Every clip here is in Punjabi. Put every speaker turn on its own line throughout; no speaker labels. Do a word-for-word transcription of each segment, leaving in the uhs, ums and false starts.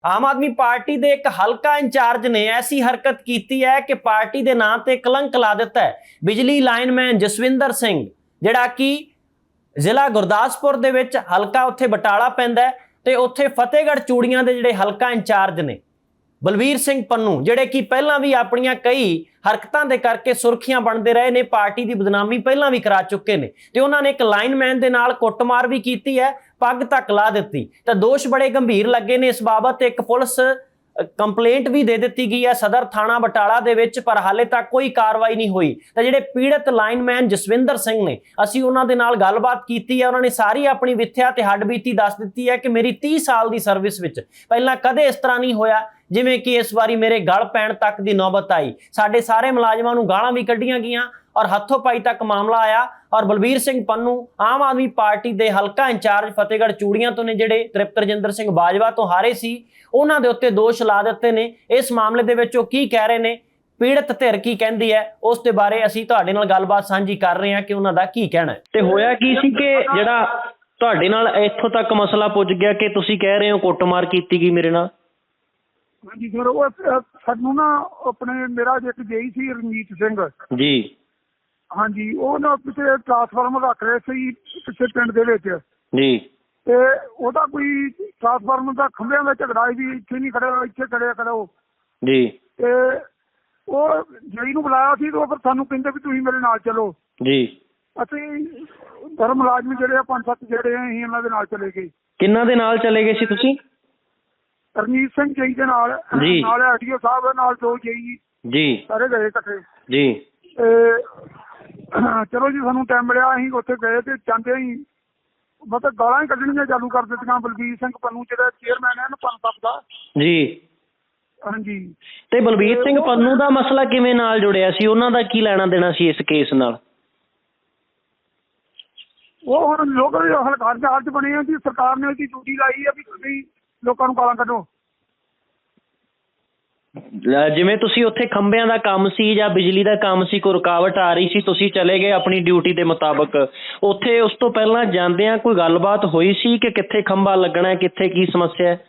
ਆਮ ਆਦਮੀ ਪਾਰਟੀ ਦੇ ਇੱਕ ਹਲਕਾ ਇੰਚਾਰਜ ਨੇ ਐਸੀ ਹਰਕਤ ਕੀਤੀ ਹੈ ਕਿ ਪਾਰਟੀ ਦੇ ਨਾਂ ਤੇ ਕਲੰਕ ਲਾ ਦਿੱਤਾ ਹੈ। ਬਿਜਲੀ ਲਾਈਨਮੈਨ ਜਸਵਿੰਦਰ ਸਿੰਘ ਜਿਹੜਾ ਕਿ ਜ਼ਿਲ੍ਹਾ ਗੁਰਦਾਸਪੁਰ ਦੇ ਵਿੱਚ ਹਲਕਾ ਉੱਥੇ ਬਟਾਲਾ ਪੈਂਦਾ ਹੈ ਤੇ ਉੱਥੇ ਫਤਿਹਗੜ੍ਹ ਚੂੜੀਆਂ ਦੇ ਜਿਹੜੇ ਹਲਕਾ ਇੰਚਾਰਜ ਨੇ ਬਲਵੀਰ ਸਿੰਘ ਪੰਨੂ ਜਿਹੜੇ ਕਿ ਪਹਿਲਾਂ ਵੀ ਆਪਣੀਆਂ ਕਈ ਹਰਕਤਾਂ ਦੇ ਕਰਕੇ ਸੁਰਖੀਆਂ ਬਣਦੇ ਰਹੇ ਨੇ, ਪਾਰਟੀ ਦੀ ਬਦਨਾਮੀ ਪਹਿਲਾਂ ਵੀ ਕਰਾ ਚੁੱਕੇ ਨੇ ਤੇ ਉਹਨਾਂ ਨੇ ਇੱਕ ਲਾਈਨਮੈਨ ਦੇ ਨਾਲ ਕੁੱਟਮਾਰ ਵੀ ਕੀਤੀ ਹੈ, ਪੱਗ ਤੱਕ ਲਾ ਦਿੱਤੀ ਤਾਂ ਦੋਸ਼ ਬੜੇ ਗੰਭੀਰ ਲੱਗੇ ਨੇ। ਇਸ ਬਾਬਤ ਇੱਕ ਪੁਲਿਸ ਕੰਪਲੇਂਟ ਵੀ ਦੇ ਦਿੱਤੀ ਗਈ ਹੈ ਸਦਰ ਥਾਣਾ ਬਟਾਲਾ ਦੇ ਵਿੱਚ, ਪਰ ਹਾਲੇ ਤੱਕ ਕੋਈ ਕਾਰਵਾਈ ਨਹੀਂ ਹੋਈ। ਤਾਂ ਜਿਹੜੇ ਪੀੜਤ ਲਾਈਨਮੈਨ ਜਸਵਿੰਦਰ ਸਿੰਘ ਨੇ, ਅਸੀਂ ਉਹਨਾਂ ਦੇ ਨਾਲ ਗੱਲਬਾਤ ਕੀਤੀ ਹੈ। ਉਹਨਾਂ ਨੇ ਸਾਰੀ ਆਪਣੀ ਵਿਥਿਆ ਤੇ ਹੱਡਬੀਤੀ ਦੱਸ ਦਿੱਤੀ ਹੈ ਕਿ ਮੇਰੀ ਤੀਹ ਸਾਲ ਦੀ ਸਰਵਿਸ ਵਿੱਚ ਪਹਿਲਾਂ ਕਦੇ ਇਸ ਤਰ੍ਹਾਂ ਨਹੀਂ ਹੋਇਆ ਜਿਵੇਂ ਕਿ ਇਸ ਵਾਰੀ ਮੇਰੇ ਗਲ ਪੈਣ ਤੱਕ ਦੀ ਨੌਬਤ ਆਈ। ਸਾਡੇ ਸਾਰੇ ਮੁਲਾਜ਼ਮਾਂ ਨੂੰ ਗਾਲਾਂ ਵੀ ਕੱਢੀਆਂ ਗਈਆਂ ਔਰ ਹੱਥੋਂ ਪਾਈ ਤੱਕ ਮਾਮਲਾ ਆਇਆ ਔਰ ਬਲਬੀਰ ਸਿੰਘ ਪੰਨੂ ਆਮ ਆਦਮੀ ਪਾਰਟੀ ਦੇ ਹਲਕਾ ਇੰਚਾਰਜ ਫਤਿਹਗੜ੍ਹ ਚੂੜੀਆਂ ਤੋਂ ਨੇ, ਜਿਹੜੇ ਤ੍ਰਿਪਤ ਰਜਿੰਦਰ ਸਿੰਘ ਬਾਜਵਾ ਤੋਂ ਹਾਰੇ ਸੀ, ਉਹਨਾਂ ਦੇ ਉੱਤੇ ਦੋਸ਼ ਲਾ ਦਿੱਤੇ ਨੇ। ਇਸ ਮਾਮਲੇ ਦੇ ਵਿੱਚ ਉਹ ਕੀ ਕਹਿ ਰਹੇ ਨੇ, ਪੀੜਤ ਧਿਰ ਕੀ ਕਹਿੰਦੀ ਹੈ, ਉਸ ਦੇ ਬਾਰੇ ਅਸੀਂ ਤੁਹਾਡੇ ਨਾਲ ਗੱਲਬਾਤ ਸਾਂਝੀ ਕਰ ਰਹੇ ਹਾਂ ਕਿ ਉਹਨਾਂ ਦਾ ਕੀ ਕਹਿਣਾ ਹੈ। ਤੇ ਹੋਇਆ ਕੀ ਸੀ ਕਿ ਜਿਹੜਾ ਤੁਹਾਡੇ ਨਾਲ ਇੱਥੋਂ ਤੱਕ ਮਸਲਾ ਪੁੱਜ ਗਿਆ ਕਿ ਤੁਸੀਂ ਕਹਿ ਰਹੇ ਹੋ ਕੁੱਟਮਾਰ ਕੀਤੀ ਗਈ ਮੇਰੇ ਨਾਲ?
ਹਾਂਜੀ ਸਰ, ਉਹ ਸਾਨੂੰ ਨਾ ਆਪਣੇ ਮੇਰਾ ਇੱਕ ਜੇਈ ਸੀ ਰਣਜੀਤ ਸਿੰਘ
ਜੀ,
ਹਾਂਜੀ, ਉਹ ਨਾ ਪਿੱਛੇ ਟਰਾਂਸਫਾਰਮਰ ਰੱਖ ਰਹੇ ਸੀ ਪਿੱਛੇ ਪਿੰਡ ਦੇ ਵਿੱਚ
ਜੀ,
ਤੇ ਉਹਦਾ ਕੋਈ ਟਰਾਂਸਫਾਰਮਰ ਦਾ ਖੰਭਿਆਂ ਦਾ ਝਗੜਾ ਸੀ ਵੀ ਇੱਥੇ ਨਹੀਂ ਖੜਿਆ ਇੱਥੇ ਖੜਿਆ ਕਰੋ ਜੀ। ਤੇ ਉਹ ਜੇਈ ਨੂੰ ਬੁਲਾਇਆ ਸੀ ਤੇ ਉਹ ਫਿਰ ਸਾਨੂੰ ਕਹਿੰਦੇ ਵੀ ਤੁਸੀਂ ਮੇਰੇ ਨਾਲ ਚਲੋ ਜੀ। ਅਸੀਂ ਧਰਮ ਮੁਲਾਜ਼ਮ ਜਿਹੜੇ ਆ ਪੰਜ ਸੱਤ ਜਿਹੜੇ ਆ ਅਸੀਂ ਉਹਨਾਂ ਦੇ ਨਾਲ ਚਲੇ ਗਏ।
ਕਿੰਨਾਂ ਦੇ ਨਾਲ ਚਲੇ ਗਏ ਸੀ ਤੁਸੀਂ?
ਰਣਜੀਤ ਸਿੰਘ ਜੇਈ ਦੇ ਨਾਲ, ਨਾਲ ਆਰਟੀਓ ਸਾਹਿਬ ਨਾਲ ਦੋ ਜੇਈ ਜੀ, ਸਾਰੇ ਗਏ ਇਕੱਠੇ ਜੀ। ਤੇ ਚਲੋ ਜੀ, ਸਾਨੂੰ ਟਾਈਮ ਮਿਲਿਆ, ਅਸੀਂ ਉੱਥੇ ਗਏ ਤੇ ਜਾਂਦੇ ਹੀ ਮਤਲਬ ਗਾਲਾਂ ਹੀ ਕੱਢਣੀਆਂ ਚਾਲੂ ਕਰ ਦਿੱਤੀਆਂ। ਬਲਬੀਰ ਸਿੰਘ ਪੰਨੂ ਜਿਹੜਾ ਚੇਅਰਮੈਨ ਹੈ ਨਾ ਪੰਪ ਦਾ ਜੀ, ਹਾਂਜੀ।
ਤੇ ਬਲਬੀਰ ਸਿੰਘ ਪੰਨੂ ਦਾ ਮਸਲਾ ਕਿਵੇਂ ਨਾਲ ਜੁੜਿਆ ਸੀ? ਉਹਨਾਂ ਦਾ ਕੀ ਲੈਣਾ ਦੇਣਾ ਸੀ ਇਸ ਕੇਸ ਨਾਲ?
ਉਹ ਹੁਣ ਲੋਕ ਹਲਕਾਰ ਚਾਰਜ ਬਣੇ ਆ ਜੀ, ਸਰਕਾਰ ਨੇ ਉਹਦੀ ਡਿਊਟੀ ਲਾਈ ਆ ਵੀ ਤੁਸੀਂ ਲੋਕਾਂ ਨੂੰ ਗਾਲਾਂ ਕੱਢੋ।
ਜਿਵੇਂ ਤੁਸੀਂ ਉੱਥੇ ਖੰਭਿਆਂ ਦਾ ਕੰਮ ਸੀ ਜਾਂ ਬਿਜਲੀ ਦਾ ਕੰਮ ਸੀ, ਕੋਈ ਰੁਕਾਵਟ ਆ ਰਹੀ ਸੀ, ਤੁਸੀਂ ਚਲੇ ਗਏ ਆਪਣੀ ਡਿਊਟੀ ਦੇ ਮੁਤਾਬਕ, ਉੱਥੇ ਉਸ ਤੋਂ ਪਹਿਲਾਂ ਜਾਂਦਿਆਂ ਕੋਈ ਗੱਲਬਾਤ ਹੋਈ ਸੀ ਕਿ ਕਿੱਥੇ ਖੰਭਾ ਲੱਗਣਾ, ਕਿੱਥੇ ਕੀ ਸਮੱਸਿਆ ਹੈ?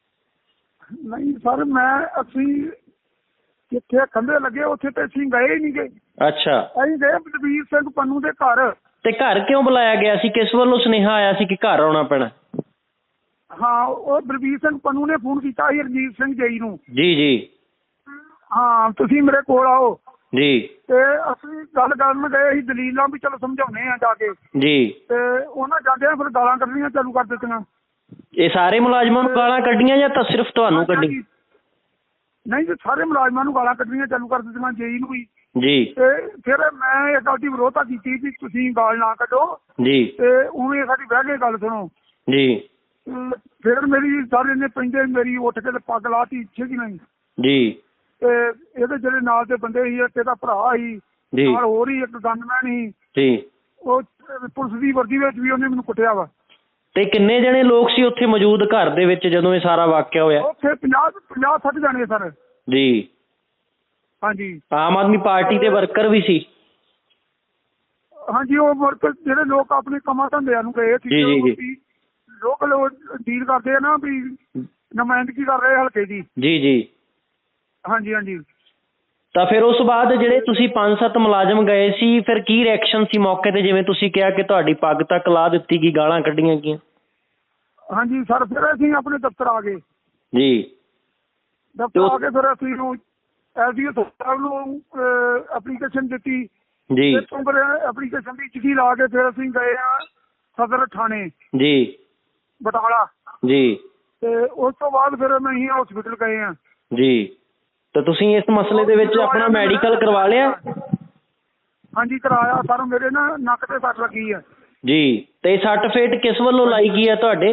ਨਹੀਂ ਸਰ, ਮੈਂ ਅਸੀਂ ਜਿੱਥੇ ਖੰਭੇ ਲੱਗੇ ਉੱਥੇ ਤੇ ਅਸੀਂ ਗਏ ਹੀ ਨਹੀਂ ਗਏ। ਅੱਛਾ, ਅਸੀਂ ਗਏ ਬਲਬੀਰ ਸਿੰਘ ਪੰਨੂ ਦੇ ਘਰ।
ਤੇ ਘਰ ਕਿਉਂ ਬੁਲਾਇਆ ਗਿਆ ਸੀ? ਕਿਸ ਵੱਲੋਂ ਸੁਨੇਹਾ ਆਇਆ ਸੀ ਕਿ ਘਰ ਆਉਣਾ ਪੈਣਾ?
ਹਾਂ, ਉਹ ਬਲਬੀਰ ਸਿੰਘ ਪੰਨੂ ਨੇ ਫੋਨ ਕੀਤਾ ਸੀ ਰਣਜੀਤ ਸਿੰਘ ਜੇਈ ਨੂੰ ਜੀ ਜੀ, ਹਾਂ ਤੁਸੀਂ ਮੇਰੇ ਕੋਲ ਆਓ ਜੀ। ਤੇ ਅਸੀਂ ਗੱਲ ਕਰਨ ਗਏ ਸੀ ਦਲੀਲਾਂ ਵੀ ਚਲੋ ਸਮਝਾਉਣੇ ਆ ਜਾ ਕੇ ਜੀ, ਤੇ ਉਹਨਾਂ ਜਾਂਦਿਆਂ ਫਿਰ ਗਾਲਾਂ ਕੱਢਣੀਆਂ ਚਾਲੂ ਕਰ ਦਿੱਤੀਆਂ। ਇਹ ਸਾਰੇ ਮੁਲਾਜ਼ਮਾਂ ਨੂੰ ਗਾਲਾਂ ਕੱਢੀਆਂ ਜਾਂ ਤਾਂ ਸਿਰਫ ਤੁਹਾਨੂੰ ਕੱਢੀ? ਨਹੀਂ ਜੀ, ਸਾਰੇ ਮੁਲਾਜ਼ਮਾਂ ਨੂੰ ਗਾਲਾਂ ਕੱਢਣੀਆਂ ਚਾਲੂ ਕਰ ਦਿੱਤੀਆਂ, ਜੇਈ ਨੂੰ ਵੀ ਜੀ। ਤੇ ਫਿਰ ਮੈਂ ਇਹ ਗੱਲ ਦੀ ਵਿਰੋਧਤਾ ਕੀਤੀ ਵੀ ਤੁਸੀਂ ਗਾਲ ਨਾ ਕੱਢੋ ਜੀ, ਤੇ ਉਵੇਂ ਸਾਡੀ ਬਹਿ ਕੇ ਗੱਲ ਸੁਣੋ ਜੀ। ਫਿਰ ਮੇਰੀ ਸਾਰੇ ਨੇ ਪੈਂਦੇ ਮੇਰੀ ਉੱਠ ਕੇ ਤੇ ਪੱਗ ਲਾਤੀ ਇੱਥੇ ਦੀ ਨਹੀਂ ਜੀ। ਤੇ ਇਹਦੇ ਜਿਹੜੇ ਨਾਲ ਦੇ ਬੰਦੇ ਸੀ, ਇੱਕ ਇਹਦਾ ਭਰਾ ਸੀ, ਨਾਲ ਹੋਰ ਹੀ ਇੱਕ ਗਨਮੈਨ ਸੀ ਜੀ, ਉਹ ਪੁਲਿਸ ਦੀ ਵਰਦੀ ਵਿੱਚ ਵੀ ਉਹਨੇ ਮੈਨੂੰ ਕੁੱਟਿਆ ਵਾ।
ਤੇ ਕਿੰਨੇ ਜਣੇ ਲੋਕ ਸੀ ਉੱਥੇ ਮੌਜੂਦ ਘਰ ਦੇ ਵਿੱਚ ਜਦੋਂ ਇਹ ਸਾਰਾ ਵਾਕਿਆ ਹੋਇਆ?
ਉੱਥੇ ਪੰਜਾਹ ਪੰਜਾਹ ਸੱਠ ਜਾਣੇ ਸਰ ਜੀ। ਹਾਂਜੀ, ਆਮ
ਆਦਮੀ ਪਾਰਟੀ ਦੇ ਵਰਕਰ ਵੀ ਸੀ?
ਹਾਂਜੀ, ਉਹ ਵਰਕਰ ਜਿਹੜੇ ਲੋਕ ਆਪਣੇ ਕੰਮਾਂ ਧੰਦਿਆਂ ਨੂੰ ਗਏ ਸੀ, ਲੋਕਲ ਡੀਲ ਕਰਦੇ ਆ ਨਾ ਵੀ ਨੁਮਾਇੰਦਗੀ ਕਰ ਰਹੇ ਹਲਕੇ ਦੀ ਜੀ ਜੀ। ਹਾਂਜੀ ਹਾਂਜੀ।
ਤਾਂ ਫਿਰ ਉਸ ਬਾਅਦ ਜਿਹੜੇ ਤੁਸੀਂ ਪੰਜ ਸੱਤ ਮੁਲਾਜ਼ਮ ਗਏ ਸੀ, ਫਿਰ ਕੀ ਰਿਐਕਸ਼ਨ ਸੀ ਮੌਕੇ ਤੇ? ਜਿਵੇਂ ਤੁਸੀਂ ਕਿਹਾ ਕਿ ਤੁਹਾਡੀ ਪੱਗ ਤੱਕ ਲਾ ਦਿੱਤੀ ਗਈ, ਗਾਲਾਂ ਕੱਢੀਆਂ ਗਈਆਂ।
ਹਾਂਜੀ ਸਰ, ਫਿਰ ਅਸੀਂ ਆਪਣੇ ਦਫ਼ਤਰ ਆ ਗਏ ਜੀ। ਦਫ਼ਤਰ ਆ ਕੇ ਫਿਰ ਅਸੀਂ ਐਸਡੀਓ ਸਾਹਿਬ ਨੂੰ ਐਪਲੀਕੇਸ਼ਨ ਦਿੱਤੀ ਜੀ। ਫਿਰ ਐਪਲੀਕੇਸ਼ਨ ਦੀ ਚਿੱਠੀ ਲਾ ਕੇ ਫਿਰ ਅਸੀਂ ਗਏ ਆ ਸਦਰ ਥਾਣੇ ਜੀ ਬਟਾਲਾ ਜੀ। ਤੇ ਉਸ ਤੋਂ ਬਾਅਦ ਫਿਰ ਅਸੀਂ ਹਸਪੀਟਲ ਗਏ ਆ ਜੀ। ਤਾਂ ਤੁਸੀਂ ਇਸ ਮਸਲੇ ਦੇ ਵਿੱਚ ਆਪਣਾ ਮੈਡੀਕਲ ਕਰਵਾ ਲਿਆ? ਹਾਂਜੀ ਕਰਾਇਆ ਸਰ, ਮੇਰੇ ਨਾ ਨੱਕ ਤੇ ਸੱਟ ਲੱਗੀ ਹੈ ਜੀ। ਤੇ ਸੱਟ ਫੇਟ ਕਿਸ ਵੱਲੋਂ ਲਾਈ ਗਈ ਹੈ ਤੁਹਾਡੇ?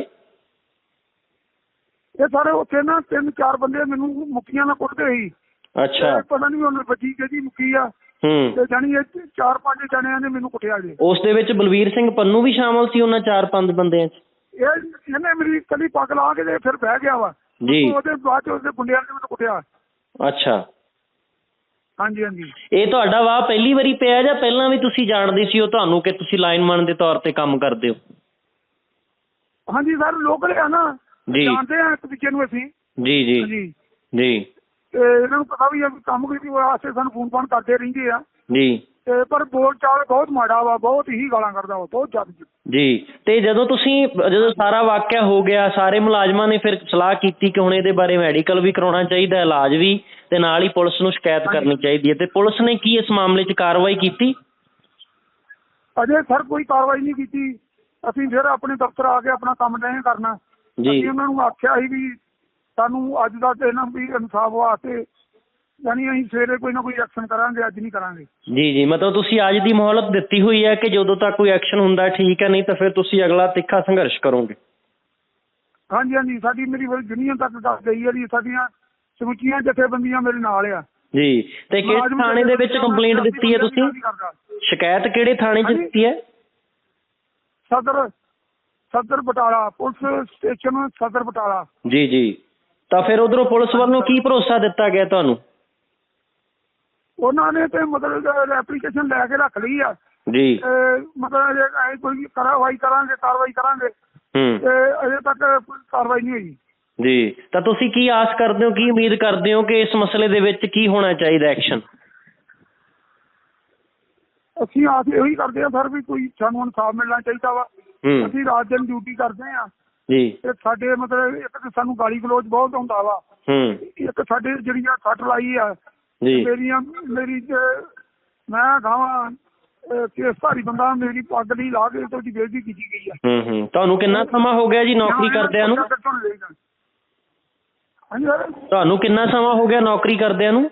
ਇਹ ਸਾਰੇ ਉੱਥੇ ਨਾ ਤਿੰਨ ਚਾਰ ਬੰਦੇ ਮੈਨੂੰ ਮੁੱਕੀਆਂ ਨਾਲ ਕੁੱਟਦੇ ਸੀ। ਅੱਛਾ, ਪਤਾ ਨਹੀਂ ਉਹਨੇ ਬੱਜੀ ਕਿਹਦੀ ਮੁੱਕੀ ਆ ਤੇ ਜਾਣੀ ਇਹ ਚਾਰ ਪੰਜ ਜਣਿਆਂ ਨੇ ਮੈਨੂੰ ਕੁੱਟਿਆ ਜੀ। ਉਸ ਦੇ ਵਿੱਚ ਬਲਬੀਰ ਸਿੰਘ ਪੰਨੂ ਵੀ ਸ਼ਾਮਲ ਸੀ ਉਹਨਾਂ ਚਾਰ ਪੰਜ ਬੰਦਿਆਂ 'ਚ? ਇਹ ਇਹਨੇ ਮੇਰੀ ਕੱਲੀ ਪੱਗ ਲਾ ਕੇ ਤੇ ਫਿਰ ਬਹਿ ਗਿਆ ਵਾ ਜੀ। ਉਹਦੇ ਬਾਅਦ ਚ ਉਹਦੇ ਗੁੰਡਿਆਂ ਨੇ ਮੈਨੂੰ ਕੁੱਟਿਆ। ਅੱਛਾ, ਹਾਂਜੀ ਹਾਂਜੀ। ਇਹ ਤੁਹਾਡਾ ਵਾਹ ਪਹਿਲੀ ਵਾਰੀ ਪਿਆ ਜਾਂ ਪਹਿਲਾਂ ਵੀ ਤੁਸੀਂ ਜਾਣਦੇ ਸੀ ਉਹ ਤੁਹਾਨੂੰ ਕਿ ਤੁਸੀਂ ਲਾਈਨਮੈਨ ਦੇ ਤੌਰ ਤੇ ਕੰਮ ਕਰਦੇ ਹੋ? ਹਾਂਜੀ ਸਰ, ਲੋਕਲ ਆ ਨਾ, ਜਾਣਦੇ ਆ ਇੱਕ ਦੂਜੇ ਨੂੰ ਅਸੀਂ
ਜੀ ਜੀ
ਜੀ
ਜੀ
ਤੇ ਇਹਨਾਂ ਨੂੰ ਪਤਾ ਵੀ ਆ ਵੀ ਕੰਮ ਕੀਤੀ ਵਾਸਤੇ ਸਾਨੂੰ ਫੋਨ ਫਾਨ ਕਰਦੇ ਰਹਿੰਦੇ ਆ
ਜੀ
ਤੇ ਪਰ ਬੋਲ ਚਾਲ ਬਹੁਤ ਮਾੜਾ ਵਾ, ਬਹੁਤ ਹੀ ਗਾਲਾਂ ਕਰਦਾ ਵਾ, ਬਹੁਤ ਜ਼ਿਆਦਾ
ਜੀ। ਤੇ ਜਦੋਂ ਤੁਸੀਂ ਜਦੋਂ ਸਾਰਾ ਵਾਕਿਆ ਹੋ ਗਿਆ, ਸਾਰੇ ਮੁਲਾਜ਼ਮਾਂ ਨੇ ਫਿਰ ਸਲਾਹ ਕੀਤੀ ਕਿ ਹੁਣ ਇਹਦੇ ਬਾਰੇ ਮੈਡੀਕਲ ਵੀ ਕਰਾਉਣਾ ਚਾਹੀਦਾ, ਇਲਾਜ ਵੀ, ਤੇ ਨਾਲ ਹੀ ਪੁਲਿਸ ਨੂੰ ਸ਼ਿਕਾਇਤ ਕਰਨੀ ਚਾਹੀਦੀ ਹੈ, ਤੇ ਪੁਲਿਸ ਨੇ ਕੀ ਇਸ ਮਾਮਲੇ 'ਚ ਕਾਰਵਾਈ ਕੀਤੀ?
ਅਜੇ ਸਰ ਕੋਈ ਕਾਰਵਾਈ ਨਹੀਂ ਕੀਤੀ। ਅਸੀਂ ਫਿਰ ਆਪਣੇ ਦਫ਼ਤਰ ਆ ਕੇ ਆਪਣਾ ਕੰਮ ਡਏ ਕਰਨਾ
ਜੀ।
ਅਸੀਂ ਉਹਨਾਂ ਨੂੰ ਆਖਿਆ ਸੀ ਵੀ ਸਾਨੂੰ ਅੱਜ ਦਾ ਦਿਨ ਵੀ ਇਨਸਾਫ ਵਾਸਤੇ, ਯਾਨੀ ਅਸੀਂ ਸਵੇਰੇ ਕੋਈ ਨਾ ਕੋਈ ਐਕਸ਼ਨ ਕਰਾਂਗੇ, ਅੱਜ ਨਹੀਂ ਕਰਾਂਗੇ।
ਜੀ ਜੀ, ਮਤਲਬ ਤੁਸੀਂ ਅੱਜ ਦੀ ਮੋਹਲਤ ਦਿੱਤੀ ਹੋਈ ਹੈ ਕਿ ਜਦੋਂ ਤੱਕ ਕੋਈ ਐਕਸ਼ਨ ਹੁੰਦਾ ਠੀਕ ਹੈ, ਨਹੀਂ ਤਾਂ ਫਿਰ ਤੁਸੀਂ ਅਗਲਾ ਤਿੱਖਾ ਸੰਘਰਸ਼ ਕਰੋਗੇ?
ਹਾਂਜੀ ਹਾਂਜੀ, ਸਾਡੀ ਮੇਰੀ ਯੂਨੀਅਨ ਤੱਕ ਦੱਸ ਗਈ ਹੈ ਜੀ, ਸਾਡੀਆਂ ਸਮੁੱਚੀਆਂ ਜਥੇਬੰਦੀਆਂ ਮੇਰੇ ਨਾਲ ਆ
ਜੀ। ਤੇ ਕਿਹੜੇ ਥਾਣੇ ਦੇ ਵਿੱਚ ਕੰਪਲੇਂਟ ਦਿੱਤੀ ਹੈ ਤੁਸੀਂ? ਸ਼ਿਕਾਇਤ ਕਿਹੜੇ ਥਾਣੇ 'ਚ ਦਿੱਤੀ ਹੈ?
ਸਦਰ ਸਦਰ ਬਟਾਲਾ, ਪੁਲਿਸ ਸਟੇਸ਼ਨ ਸਦਰ ਬਟਾਲਾ।
ਜੀ ਜੀ। ਤਾਂ ਫਿਰ ਉਧਰੋਂ ਪੁਲਿਸ ਵੱਲੋਂ ਕੀ ਭਰੋਸਾ ਦਿੱਤਾ ਗਿਆ ਤੁਹਾਨੂੰ?
ਉਹਨਾਂ ਨੇ ਤੇ ਮਤਲਬ ਐਪਲੀਕੇਸ਼ਨ ਲੈ ਕੇ ਰੱਖ ਲਈ ਆ
ਜੀ।
ਮਤਲਬ ਜੇ ਕੋਈ ਕਾਰਵਾਈ ਕਰਾਂਗੇ ਕਾਰਵਾਈ ਕਰਾਂਗੇ
ਹੂੰ
ਤੇ ਅਜੇ ਤੱਕ ਕੋਈ ਕਾਰਵਾਈ ਨਹੀਂ ਹੋਈ
ਜੀ। ਤਾਂ ਤੁਸੀਂ ਕੀ ਆਸ ਕਰਦੇ ਹੋ, ਕੀ ਉਮੀਦ ਕਰਦੇ ਹੋ ਕਿ ਇਸ ਮਸਲੇ ਦੇ ਵਿੱਚ ਕੀ ਹੋਣਾ ਚਾਹੀਦਾ ਐਕਸ਼ਨ?
ਅਸੀਂ ਆਸ ਇਹੀ ਕਰਦੇ ਹਾਂ ਸਰ ਵੀ ਕੋਈ ਸਾਨੂੰ ਇਨਸਾਫ ਮਿਲਣਾ ਚਾਹੀਦਾ ਵਾ। ਅਸੀਂ ਰਾਤ ਦਿਨ ਡਿਊਟੀ ਕਰਦੇ ਹਾਂ
ਜੀ।
ਤੇ ਸਾਡੇ ਮਤਲਬ ਇੱਕ ਤਾਂ ਸਾਨੂੰ ਗਾਲੀ ਗਲੋਚ ਬਹੁਤ ਹੁੰਦਾ ਵਾ, ਇੱਕ ਸਾਡੇ ਜਿਹੜੀ ਆ ਸੱਟ ਲਾਈ ਆ ਮੇਰੀਆਂ ਮੇਰੀ ਮੈਂ ਗਾਵਾਂ ਕੇਸ ਭਾਰੀ ਬੰਦਾ, ਮੇਰੀ ਪੱਗ ਨਹੀਂ ਲਾ ਕੇ ਤੇ ਉਹਦੀ ਬੇਇੱਜ਼ਤੀ ਕੀਤੀ ਗਈ ਆ।
ਹੂੰ ਹੂੰ। ਤੁਹਾਨੂੰ ਕਿੰਨਾ ਸਮਾਂ ਹੋ ਗਿਆ ਜੀ ਨੌਕਰੀ ਕਰਦਿਆਂ ਨੂੰ?
ਹਾਂਜੀ ਸਰ।
ਤੁਹਾਨੂੰ ਕਿੰਨਾ ਸਮਾਂ ਹੋ ਗਿਆ ਨੌਕਰੀ ਕਰਦਿਆਂ ਨੂੰ?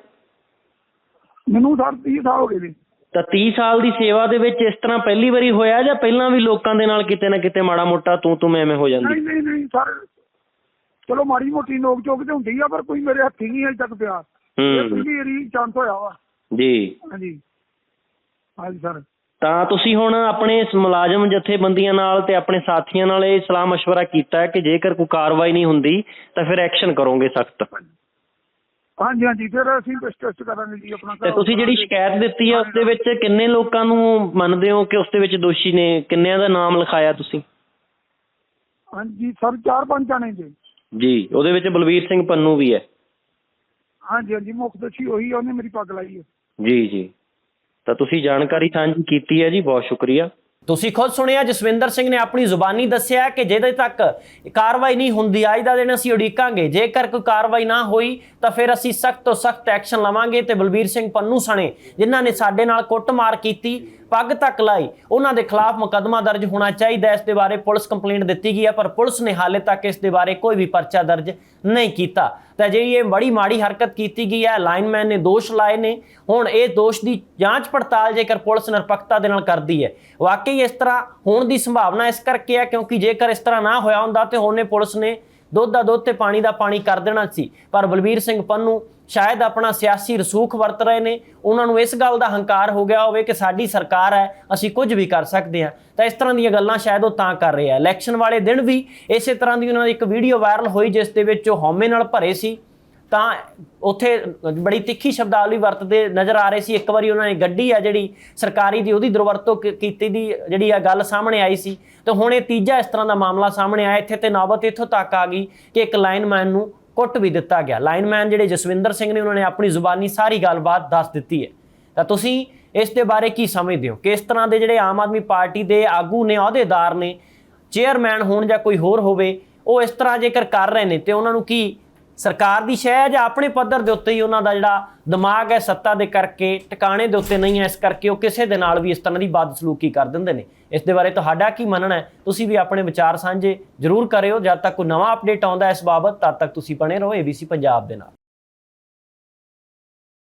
ਮੈਨੂੰ ਸਰ ਤੀਹ ਸਾਲ ਹੋ ਗਏ ਨੇ।
ਤਾਂ ਤੀਹ ਸਾਲ ਦੀ ਸੇਵਾ ਦੇ ਵਿੱਚ ਇਸ ਤਰ੍ਹਾਂ ਪਹਿਲੀ ਵਾਰੀ ਹੋਇਆ ਜਾਂ ਪਹਿਲਾਂ ਵੀ ਲੋਕਾਂ ਦੇ ਨਾਲ ਕਿਤੇ ਨਾ ਕਿਤੇ ਮਾੜਾ ਮੋਟਾ ਤੂੰ ਤੂੰ ਐਵੇਂ ਹੋ ਜਾਂਦੀ?
ਨਹੀਂ ਨਹੀਂ ਨਹੀਂ ਸਰ, ਚਲੋ ਮਾੜੀ ਮੋਟੀ ਨੋਕ ਚੋਕ ਤੇ ਹੁੰਦੀ ਆ, ਪਰ ਕੋਈ ਮੇਰੇ ਹੱਥੀ ਨਹੀਂ ਅਜੇ ਤੱਕ ਪਿਆ। ਇਹ ਪਹਿਲੀ ਵਾਰੀ ਚਾਂਸ ਹੋਇਆ ਵਾ ਜੀ। ਹਾਂਜੀ ਹਾਂਜੀ ਸਰ।
ਤਾਂ ਤੁਸੀਂ ਹੁਣ ਆਪਣੇ ਇਸ ਮੁਲਾਜ਼ਮ ਜਥੇਬੰਦੀਆਂ ਨਾਲ ਤੇ ਆਪਣੇ ਸਾਥੀਆਂ ਨਾਲ ਇਹ ਸਲਾਹ ਮਸ਼ਵਰਾ ਕੀਤਾ ਕਿ ਜੇਕਰ ਕੋਈ ਕਾਰਵਾਈ ਨਹੀਂ ਹੁੰਦੀ ਤਾਂ ਫਿਰ ਐਕਸ਼ਨ ਕਰੋਗੇ ਸਖਤ?
ਹਾਂਜੀ ਹਾਂਜੀ, ਫਿਰ ਅਸੀਂ ਟੈਸਟ ਕਰਾਂਗੇ ਜੀ ਆਪਣਾ।
ਤੇ ਤੁਸੀਂ ਜਿਹੜੀ ਸ਼ਿਕਾਇਤ ਦਿੱਤੀ ਹੈ ਉਸ ਦੇ ਵਿੱਚ ਕਿੰਨੇ ਲੋਕਾਂ ਨੂੰ ਮੰਨਦੇ ਹੋ ਕਿ ਉਸ ਦੇ ਵਿੱਚ ਦੋਸ਼ੀ ਨੇ? ਕਿੰਨਿਆਂ ਦਾ ਨਾਮ ਲਿਖਾਇਆ ਤੁਸੀਂ?
ਹਾਂਜੀ ਸਰ, ਚਾਰ ਪੰਜ ਜਾਣੇ ਜੀ।
ਜੀ, ਉਹਦੇ ਵਿੱਚ ਬਲਵੀਰ ਸਿੰਘ ਪੰਨੂ ਵੀ ਹੈ?
ਹਾਂਜੀ ਹਾਂਜੀ, ਮੁੱਖ ਦੋਸ਼ੀ ਉਹੀ, ਉਹਨੇ ਮੇਰੀ ਪੱਗ ਲਾਈ ਹੈ।
ਜੀ ਜੀ। ਤਾਂ ਤੁਸੀਂ ਜਾਣਕਾਰੀ ਸਾਂਝੀ ਕੀਤੀ ਹੈ ਜੀ, ਬਹੁਤ ਸ਼ੁਕਰੀਆ। ਤੁਸੀਂ ਖੁਦ ਸੁਣਿਆ ਜਸਵਿੰਦਰ ਸਿੰਘ ਨੇ ਆਪਣੀ ਜ਼ੁਬਾਨੀ ਦੱਸਿਆ ਕਿ ਜਿਹਦੇ ਤੱਕ ਕਾਰਵਾਈ ਨਹੀਂ ਹੁੰਦੀ ਅੱਜ ਦਾ ਦਿਨ ਅਸੀਂ ਉਡੀਕਾਂਗੇ, ਜੇਕਰ ਕੋਈ ਕਾਰਵਾਈ ਨਾ ਹੋਈ ਤਾਂ ਫਿਰ ਅਸੀਂ ਸਖਤ ਤੋਂ ਸਖਤ ਐਕਸ਼ਨ ਲਵਾਂਗੇ। ਤੇ ਬਲਬੀਰ ਸਿੰਘ ਪੰਨੂ ਸਣੇ ਜਿਨ੍ਹਾਂ ਨੇ ਸਾਡੇ ਨਾਲ ਕੁੱਟਮਾਰ ਕੀਤੀ, ਪੱਗ ਤੱਕ ਲਾਈ, ਉਹਨਾਂ ਦੇ ਖਿਲਾਫ ਮੁਕੱਦਮਾ ਦਰਜ ਹੋਣਾ ਚਾਹੀਦਾ। ਇਸ ਦੇ ਬਾਰੇ ਪੁਲਿਸ ਕੰਪਲੇਂਟ ਦਿੱਤੀ ਗਈ ਹੈ, ਪਰ ਪੁਲਿਸ ਨੇ ਹਾਲੇ ਤੱਕ ਇਸ ਦੇ ਬਾਰੇ ਕੋਈ ਵੀ ਪਰਚਾ ਦਰਜ ਨਹੀਂ ਕੀਤਾ। ਤਾਂ ਜਿਹੜੀ ਇਹ ਬੜੀ ਮਾੜੀ ਹਰਕਤ ਕੀਤੀ ਗਈ ਹੈ, ਲਾਈਨਮੈਨ ਨੇ ਦੋਸ਼ ਲਾਏ ਨੇ। ਹੁਣ ਇਹ ਦੋਸ਼ ਦੀ ਜਾਂਚ ਪੜਤਾਲ ਜੇਕਰ ਪੁਲਿਸ ਨਿਰਪੱਖਤਾ ਦੇ ਨਾਲ ਕਰਦੀ ਹੈ, ਵਾਕਈ ਇਸ ਤਰ੍ਹਾਂ ਹੋਣ ਦੀ ਸੰਭਾਵਨਾ ਇਸ ਕਰਕੇ ਹੈ ਕਿਉਂਕਿ ਜੇਕਰ ਇਸ ਤਰ੍ਹਾਂ ਨਾ ਹੋਇਆ ਹੁੰਦਾ ਤੇ ਉਹਨੇ ਪੁਲਿਸ ਨੇ ਦੁੱਧ ਦਾ ਦੁੱਧ ਤੇ ਪਾਣੀ ਦਾ ਪਾਣੀ ਕਰ ਦੇਣਾ ਸੀ। ਪਰ ਬਲਬੀਰ ਸਿੰਘ ਪੰਨੂ ਸ਼ਾਇਦ ਆਪਣਾ ਸਿਆਸੀ ਰਸੂਖ ਵਰਤ ਰਹੇ ਨੇ, ਉਹਨਾਂ ਨੂੰ ਇਸ ਗੱਲ ਦਾ ਹੰਕਾਰ ਹੋ ਗਿਆ ਹੋਵੇ ਕਿ ਸਾਡੀ ਸਰਕਾਰ ਹੈ, ਅਸੀਂ ਕੁਝ ਵੀ ਕਰ ਸਕਦੇ ਹਾਂ। ਤਾਂ ਇਸ ਤਰ੍ਹਾਂ ਦੀਆਂ ਗੱਲਾਂ ਸ਼ਾਇਦ ਉਹ ਤਾਂ ਕਰ ਰਹੇ ਆ। ਇਲੈਕਸ਼ਨ ਵਾਲੇ ਦਿਨ ਵੀ ਇਸੇ ਤਰ੍ਹਾਂ ਦੀ ਉਹਨਾਂ ਦੀ ਇੱਕ ਵੀਡੀਓ ਵਾਇਰਲ ਹੋਈ ਜਿਸ ਦੇ ਵਿੱਚ ਉਹ ਹਉਮੈ ਨਾਲ ਭਰੇ ਸੀ, ਤਾਂ ਉੱਥੇ ਬੜੀ ਤਿੱਖੀ ਸ਼ਬਦਾਵਲੀ ਵਰਤਦੇ ਨਜ਼ਰ ਆ ਰਹੇ ਸੀ। ਇੱਕ ਵਾਰੀ ਉਹਨਾਂ ਨੇ ਗੱਡੀ ਆ ਜਿਹੜੀ ਸਰਕਾਰੀ ਦੀ ਉਹਦੀ ਦੁਰਵਰਤੋਂ ਕੀਤੀ ਦੀ ਜਿਹੜੀ ਆ ਗੱਲ ਸਾਹਮਣੇ ਆਈ ਸੀ। ਤੇ ਹੁਣ ਇਹ ਤੀਜਾ ਇਸ ਤਰ੍ਹਾਂ ਦਾ ਮਾਮਲਾ ਸਾਹਮਣੇ ਆਇਆ। ਇੱਥੇ ਤੇ ਨੌਬਤ ਇੱਥੋਂ ਤੱਕ ਆ ਗਈ ਕਿ ਇੱਕ ਲਾਈਨਮੈਨ ਨੂੰ ਕੁੱਟ ਵੀ ਦਿੱਤਾ ਗਿਆ। ਲਾਈਨਮੈਨ ਜਿਹੜੇ ਜਸਵਿੰਦਰ ਸਿੰਘ ਨੇ ਉਹਨਾਂ ਨੇ ਆਪਣੀ ਜ਼ੁਬਾਨੀ ਸਾਰੀ ਗੱਲਬਾਤ ਦੱਸ ਦਿੱਤੀ ਹੈ। ਤਾਂ ਤੁਸੀਂ ਇਸ ਦੇ ਬਾਰੇ ਕੀ ਸਮਝਦੇ ਹੋ ਕਿ ਇਸ ਤਰ੍ਹਾਂ ਦੇ ਜਿਹੜੇ ਆਮ ਆਦਮੀ ਪਾਰਟੀ ਦੇ ਆਗੂ ਨੇ, ਅਹੁਦੇਦਾਰ ਨੇ, ਚੇਅਰਮੈਨ ਹੋਣ ਜਾਂ ਕੋਈ ਹੋਰ ਹੋਵੇ, ਉਹ ਇਸ ਤਰ੍ਹਾਂ ਜੇਕਰ ਕਰ ਰਹੇ ਨੇ ਤੇ ਉਹਨਾਂ ਨੂੰ ਕੀ ਸਰਕਾਰ ਦੀ ਸ਼ਹਿ ਹੈ ਜਾਂ ਆਪਣੇ ਪੱਧਰ ਦੇ ਉੱਤੇ ਹੀ ਉਹਨਾਂ ਦਾ ਜਿਹੜਾ ਦਿਮਾਗ ਹੈ ਸੱਤਾ ਦੇ ਕਰਕੇ ਟਿਕਾਣੇ ਦੇ ਉੱਤੇ ਨਹੀਂ ਹੈ, ਇਸ ਕਰਕੇ ਉਹ ਕਿਸੇ ਦੇ ਨਾਲ ਵੀ ਇਸ ਤਰ੍ਹਾਂ ਦੀ ਬਦਸਲੂਕੀ ਕਰ ਦਿੰਦੇ ਨੇ? ਇਸ ਦੇ ਬਾਰੇ ਤੁਹਾਡਾ ਕੀ ਮੰਨਣਾ ਹੈ? ਤੁਸੀਂ ਵੀ ਆਪਣੇ ਵਿਚਾਰ ਸਾਂਝੇ ਜ਼ਰੂਰ ਕਰਿਓ। ਜਦ ਤੱਕ ਕੋਈ ਨਵਾਂ ਅਪਡੇਟ ਆਉਂਦਾ ਇਸ ਬਾਬਤ, ਤਦ ਤੱਕ ਤੁਸੀਂ ਬਣੇ ਰਹੋ ਏ ਬੀ ਸੀ ਪੰਜਾਬ ਦੇ ਨਾਲ।